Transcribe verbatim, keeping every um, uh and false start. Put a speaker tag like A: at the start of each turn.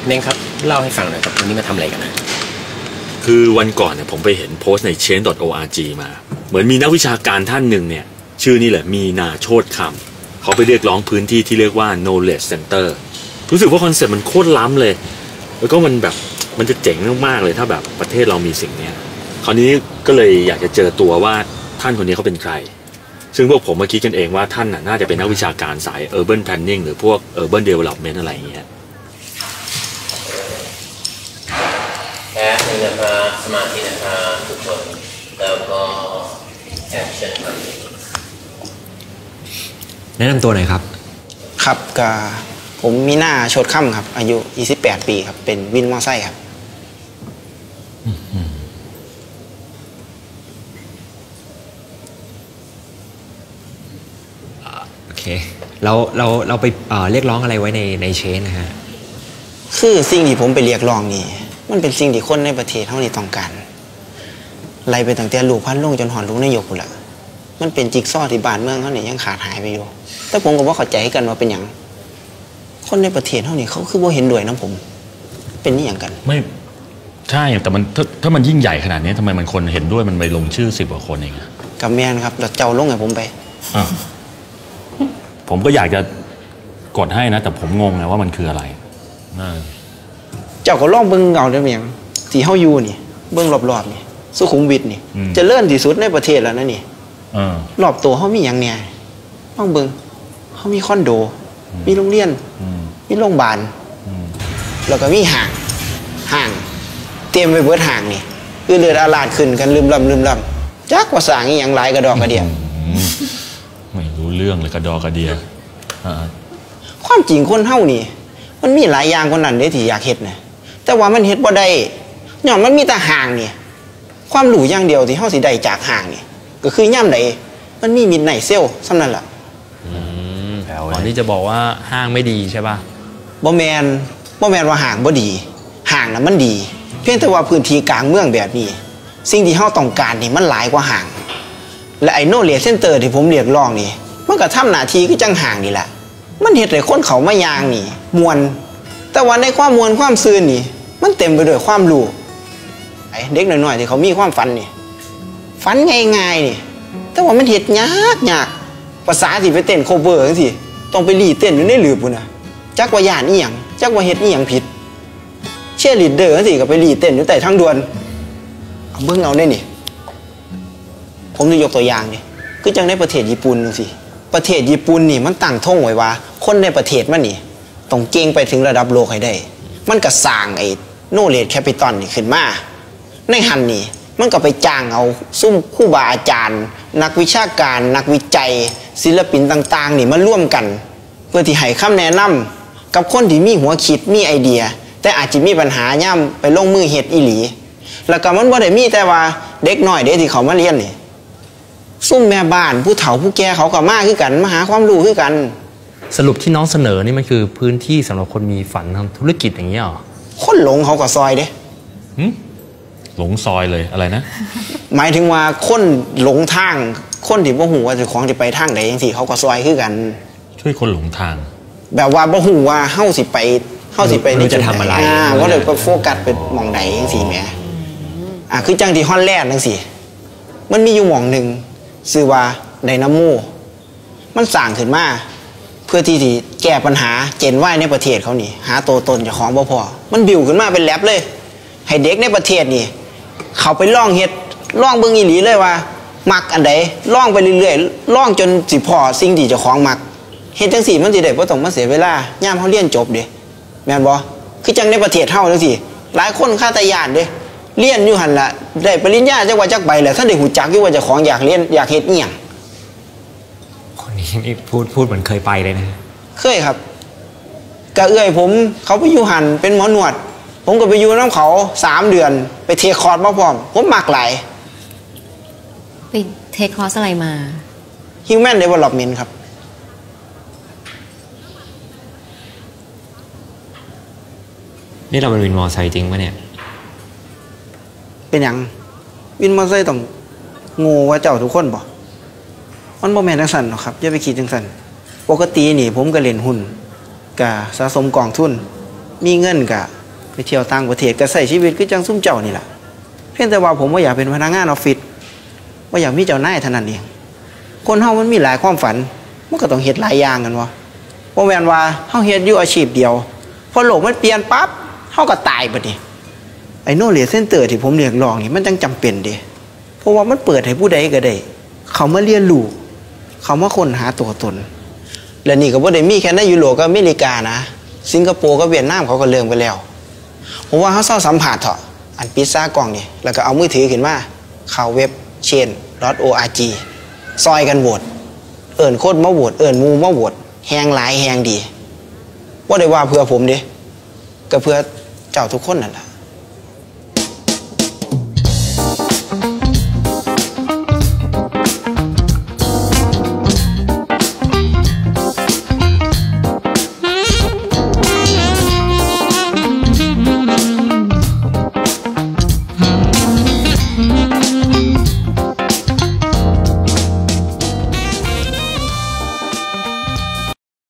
A: เน่งครับเล่าให้ฟังหน่อยครับวันนี้มาทำอะไรกันนะ
B: คือวันก่อนเนี่ยผมไปเห็นโพสต์ใน เชนจ์ ดอท โอ อาร์ จี มาเหมือนมีนักวิชาการท่านหนึ่งเนี่ยชื่อนี่แหละมีนาโชติคำเขาไปเรียกร้องพื้นที่ที่เรียกว่า knowledge center รู้สึกว่าคอนเซ็ปต์มันโคตรล้ำเลยแล้วก็มันแบบมันจะเจ๋งมากๆเลยถ้าแบบประเทศเรามีสิ่งนี้คราวนี้ก็เลยอยากจะเจอตัวว่าท่านคนนี้เขาเป็นใครซึ่งพวกผมมาคิดกันเองว่าท่านน่าจะเป็นนักวิชาการสาย urban planning หรือพวก urban development อะไรอย่างเงี้ย
C: แค่หนึ่งนะครับสมาธินะครับทุกคนแล้วก็แอคชั่นครับ
D: แนะนำตัวหน่อยครับ
E: ครับก็ผมมีหน้าโชติค่ำครับอายุยี่สิบแปดปีครับเป็นวินมอไซค์ครับ
D: โอเคเราเราเราไปเอ่อเรียกร้องอะไรไว้ในในเชนนะฮะ
E: คือสิ่งที่ผมไปเรียกร้องนี่มันเป็นสิ่งที่คนในประเทศเท่านี้ต้องการไล่ไปตั้งแต่ลูกพันลงจนหอนลูกนายกละมันเป็นจิ๊กซอว์ที่บ้านเมืองเขาเนี่ยยังขาดหายไปอยู่แต่ผมก็ว่าเข้าใจกันว่าเป็นอย่างคนในประเทศเท่านี้เขาคือว่าเห็นด้วยนะผมเป็นนี่อย่างกัน
B: ไม่ใช่แต่มันถ้าถ้ามันยิ่งใหญ่ขนาดนี้ทำไมมันคนเห็นด้วยมันไปลงชื่อสิบกว่าคนเองอะ
E: กับแมนครับแล้วเจ้าลงไงผมไป
B: อ่ะผมก็อยากจะกดให้นะแต่ผมงงไงว่ามันคืออะไร
E: เจ้าก็ล่องเบิ้งเงาได้ไหมยังสีเฮายูนี่เบิ้งรอบๆนี่สุขุมวิทนี่จะเลื่อนที่สุดในประเทศแล้วนะนี่รอบตัวเขามีอย่างเนี่ยล่องเบิ้งเขามีคอนโดมีโรงเรียนมีโรงพยาบาลแล้วก็มีห่างห่างเตรียมไปเบิดห่างนี่คือเลือดอาลาดขึ้นกันลืมลำลืมลำจักว่าสร้างอย่างไรกระดอกกระเดีย
B: ไม่รู้เรื่องเลยกระดอกกระเดีย
E: ความจริงคนเฮานี่มันมีหลายอย่างคนนั้นเด้ที่อยากเฮ็ดนะแต่ว่ามันเฮ็ดบ่ได้ย้อนมันมีแต่ห่างนี่ความรู้อย่างเดียวที่เฮาสิได้จากห่างนี่ก็คือย่ำใดมันมีมิดไนท์เซลซ้ำนั่นล่ะ
D: ตอนนี้จะบอกว่าห้างไม่ดีใช่ป่ะ
E: บ่แมนบ่แมนว่าห่างบ่ดีห่างน่ะมันดีเพียงแต่ว่าพื้นที่กลางเมืองแบบนี้สิ่งที่เฮาต้องการนี่มันหลายกว่าห่างและไอ้โนเลจเซ็นเตอร์ที่ผมเรียกร้องนี่มันก็ทำหน้าที่คือจังห่างนี่แหละมันเฮ็ดให้คนเขามายางนี่มวนแต่ว่าในความมวนความซื่นนี่มันเต็มไปด้วยความรู้ไอ้เด็กน้อยๆที่เขามีความฝันนี่ฝันง่ายๆนี่แต่ว่ามันเฮ็ดยากยากภาษาสิไปเต้นโคเวอร์จังซี่ต้องไปรีเต้นอยู่ในหลืบพุ่นน่ะจักว่าย่านอีหยังจักว่าเฮ็ดอีหยังผิดเชียร์ลีดเดอร์จังซี่ก็ไปรีเต้นอยู่ใต้ทางด่วนเอาเบิ่งเอาได้นี่ผมจะยกตัวอย่างนี่คือจังในประเทศญี่ปุ่นจังซี่ประเทศญี่ปุ่นนี่มันตั้งท่งไว้ว่าคนในประเทศมันนี่ต้องเก่งไปถึงระดับโลกให้ได้มันก็สร้างไอ้โนเลจแคปิตอลนี่ขึ้นมาในหันนี่มันก็ไปจ้างเอาซุ่มครูบาอาจารย์นักวิชาการนักวิจัยศิลปินต่างๆนี่มาร่วมกันเพื่อที่ให้คำแนะนำกับคนที่มีหัวคิดมีไอเดียแต่อาจจะมีปัญหาย่ำไปลงมือเฮ็ดอีหลีแล้วก็มันบ่ได้มีแต่ว่าเด็กน้อยเด็กที่เขามาเรียนนี่ซุ่มแม่บ้านผู้เฒ่าผู้แก่เขาก็มาคือกันมาหาความรู้คือกัน
D: สรุปที่น้องเสนอนี่มันคือพื้นที่สำหรับคนมีฝันทำธุรกิจอย่างนี้หรอ
E: คนหลงเขาก็ซอยเด้
B: หลงซอยเลยอะไรนะ
E: หมายถึงว่าคนหลงทางคนที่บ่ฮู้ว่าเจ้าของสิไปทางใดจังซี่เขาก็ซอยคือกัน
B: ช่วยคนหลงทาง
E: แบบว่าบ่ฮู้ว่าเฮาสิไปเฮาสิไปในจะทำอะไรอ่าว่าเดี๋ยวไปโฟกัสไปมองใดจังซี่แหมอ่าคือจังที่ฮอลแลนด์จังซี่มันมีอยู่หม่องนึงชื่อว่าไดนาโมมันสร้างขึ้นมาเพื่อที่จะแก้ปัญหาเจนว่ายในประเทศเขานี่หาตัวตนเจ้าของบ่พอมันบิวขึ้นมาเป็นแลบเลยให้เด็กในประเทศนี่เขาไปล่องเฮ็ดล่องเบิ่งอีหลีเลยว่ามักอันใดล่องไปเรื่อยๆล่องจนสิพอสิ่งที่เจ้าของมักเฮ็ดจังซี่มันสิได้บ่ต้องมาเสียเวลายามเฮาเรียนจบเด้แม่นบ่คือจังในประเทศเฮาจังซี่หลายคนคาตาญาณเด้เรียนอยู่หั่นล่ะได้ปริญญาจักว่าจักใบแล้วท่านได้ฮู้จักอยู่ว่าเจ้าของอยากเรียนอยากเฮ็ดอีหยัง
D: คนนี้นี่พูดพูดเหมือนเคยไปเลยนะ
E: เคยครับกะเอื้อยผมเขาไปอยู่หั่นเป็นหมอหนวดผมก็ไปอยู่น้ำเขาสามเดือนไปเทคอร์สมาพร้อมผมมักหลาย
F: ไปเทคคอร์สอะไรมา
E: Human Development ครับ
D: นี่เราเป็นวินมอไซค์จริงปะเนี่ย
E: เป็นอย่างวินมอไซค์ต้องงูว่าเจ้าทุกคนบ่มันบ่แม่นจังซั่นหรอกครับอย่าไปคิดจังซั่นปกตินี่ผมก็เล่นหุ้นก็สะสมกองทุนมีเงินก็ไปเที่ยวต่างประเทศก็ใช้ชีวิตคือจังซุ่มเจ้านี่แหละเพียงแต่ว่าผมว่าอยากเป็นพนักงานออฟฟิศว่าอยากมีเจ้านายเท่านั้นเองคนเฮามันมีหลายความฝันมันก็ต้องเฮ็ดหลายอย่างกันวะบ่แม่นว่าเฮาเฮ็ดอยู่อาชีพเดียวพอโลกมันเปลี่ยนปั๊บเฮาก็ตายบัดนี้ไอ้ knowledge center ที่ผมเรียกร้องนี่มันจังจำเป็นเด้เพราะว่ามันเปิดให้ผู้ใดก็ได้เขามาเรียนรู้เขามาค้นหาตัวตนและนี่ก็บ่ได้มีแค่ในยุโรปกับอเมริกานะสิงคโปร์กับเวียดนามเขาก็เริ่มกันแล้วผมว่าเฮาเซาสัมผัสเถอะอันปิดซ่ากล้องนี่แล้วก็เอามือถือขึ้นมาเข้าเว็บ เชน ดอท โอ อาร์ จี ซอยกันโหวตเอิ้นคนมาโหวตเอิ้นหมู่มาโหวตแฮงหลายแฮงดีบ่ได้ว่าเพื่อผมเด้ก็เพื่อเจ้าทุกคนนั่นล่ะ